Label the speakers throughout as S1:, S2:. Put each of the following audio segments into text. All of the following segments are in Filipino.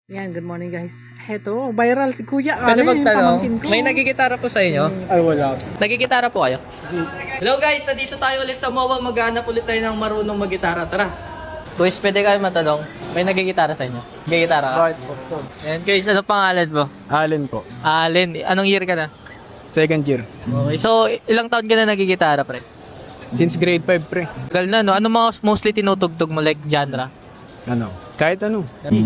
S1: Yan, good morning guys. Heto, viral si Kuya
S2: Pwede
S1: Ale,
S2: magtanong,
S1: pamangkin ko.
S2: may nagigitara po sa inyo?
S3: Ay, wala.
S2: Nagigitara po kayo? Hello guys, nandito tayo ulit sa MOA. Maghanap ulit tayo ng marunong maggitara. Tara. Guys, pwede kayo matanong, may nagigitara sa inyo? Nagigitara ka? Ayan guys, ano pangalan mo?
S3: Allen po.
S2: Allen, anong year ka na?
S3: Second year.
S2: Okay, so ilang taon ka na nagigitara, pre?
S3: Since grade 5, pre.
S2: Tagal na, no? Ano mga mostly tinutugtog mo, like genre?
S3: Ano? Kahit ano.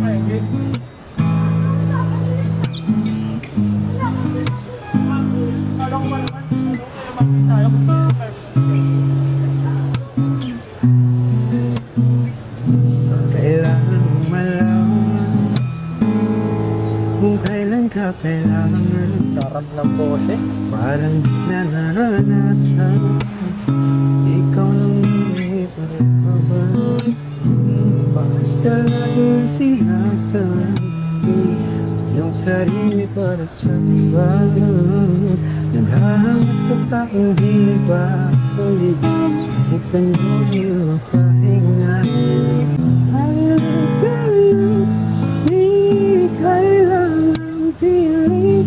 S3: Kailangan mong malaman kung kailan ka kailangan.
S2: Sarap ng boses.
S3: Parang di na naranasan, ikaw lang hindi pagpapabalik. Bakit ka laging sinasabi yung sarili para sa iba? Naghahangat sa taong di ba ulit, subukan mo yung pahinga. I love you, di kailangan piling,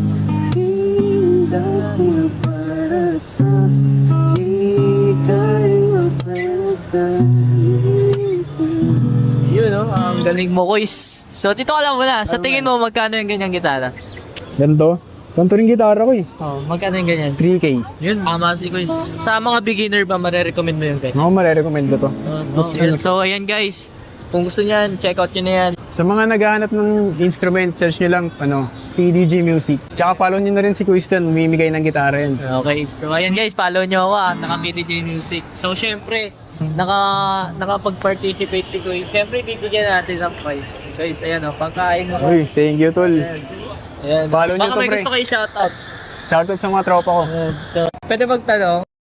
S3: dahil para sa di kayo pagkakas.
S2: Yun, no? Ang galing mo, Kois. So, dito ka lang muna. Sa tingin mo, magkano yung ganyang gitara?
S3: Ganito? Ganito rin gitara ko eh.
S2: Oh, magkano yung ganyan?
S3: 3K.
S2: Yun, tama si Kois. Sa mga beginner ba, marirecommend mo yung ganyan?
S3: Ako marirecommend ko to.
S2: So, ayan guys. Kung gusto niyan, check out nyo na yan.
S3: Sa mga naghahanap ng instrument, search nyo lang, PDG Music. Tsaka follow nyo na rin si Quistan, umimigay ng gitara yan.
S2: Okay. So, ayan guys, follow nyo ako naka-PDJ Music. So, syempre, nakapag-participate si Kois. Syempre, bibigyan natin ng prize. Guys, ayan o, pagkain mo.
S3: Uy, thank you, tol.
S2: Ayan.
S3: Follow nyo
S2: Baka
S3: to,
S2: may
S3: pre.
S2: gusto kayo shoutout.
S3: Shoutout sa mga tropa ko.
S2: Pwede magtanong,